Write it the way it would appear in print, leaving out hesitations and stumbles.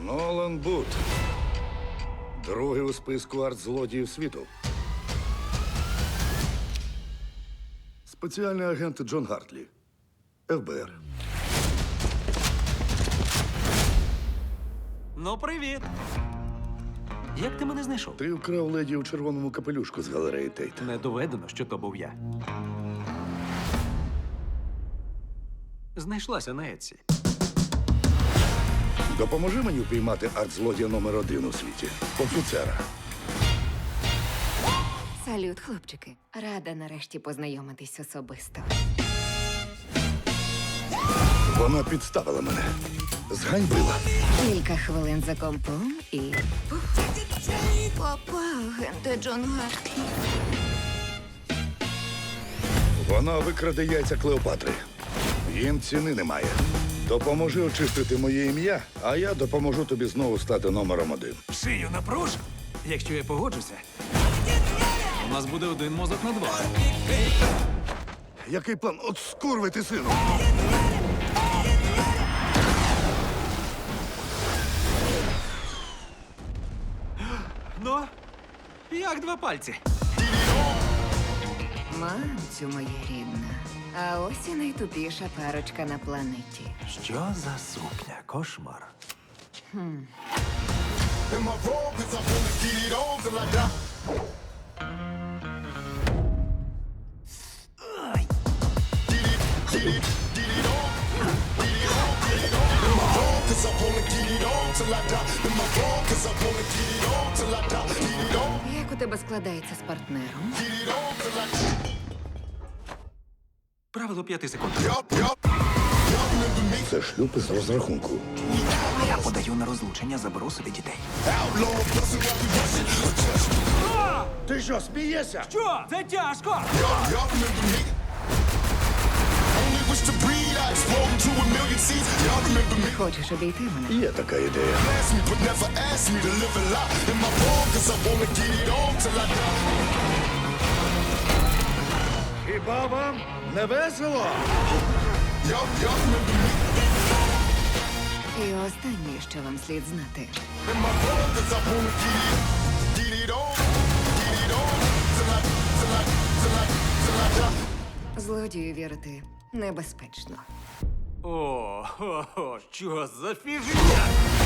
Нолан Бут. Другий у списку арт-злодіїв світу. Спеціальний агент Джон Гартлі. ФБР. Ну, привіт. Як ти мене знайшов? Ти вкрав леді у червоному капелюшку з галереї Тейт. Не доведено, що то був я. Знайшлася на Етсі. Допоможи мені впіймати арт-злодія номер 1 у світі. Офіцера. Салют, хлопчики. Рада нарешті познайомитись особисто. Вона підставила мене. Зганьбила. Кілька хвилин за компом і... Папа, агенте Джон Гартлі. Вона викраде яйця Клеопатри. Їм ціни немає. Допоможи очистити моє ім'я, а я допоможу тобі знову стати номером 1. Шию напруж. Якщо я погоджуся, у нас буде один мозок на два. Який план? От скурвити, сину! Ну, як два пальці. Мамцю моя рідна. А ось і найтупіша парочка на планеті. Що за сукня? Кошмар. In my room, 'cause I wanna get it on till I die. Get it on. In my room, 'cause I wanna get it on till I die. In my room, 'cause I wanna get it on till I die. Get it on, Як у тебе складається з партнером? get it on till I die. Правило 5 секунд. Yup. Y'all remember me? Це шлюб із розрахунку. Я подаю на розлучення, заберу собі дітей. Outlaw, bustin' while we rushin'. Ти що, смієшся? Що? Це тяжко! Y'all remember me? Only wish to breathe, I explode into a million seeds. Y'all remember me? Хочеш обійти мене? Є така ідея. Ask me, but never ask me to live a lie. In my room, 'cause I wanna get it on till I die. Хіба вам не весело? Y'all remember me? І останнє, що вам слід знати. In my room, 'cause I wanna get it on till I die. Злодію вірити небезпечно. О, що за фігня?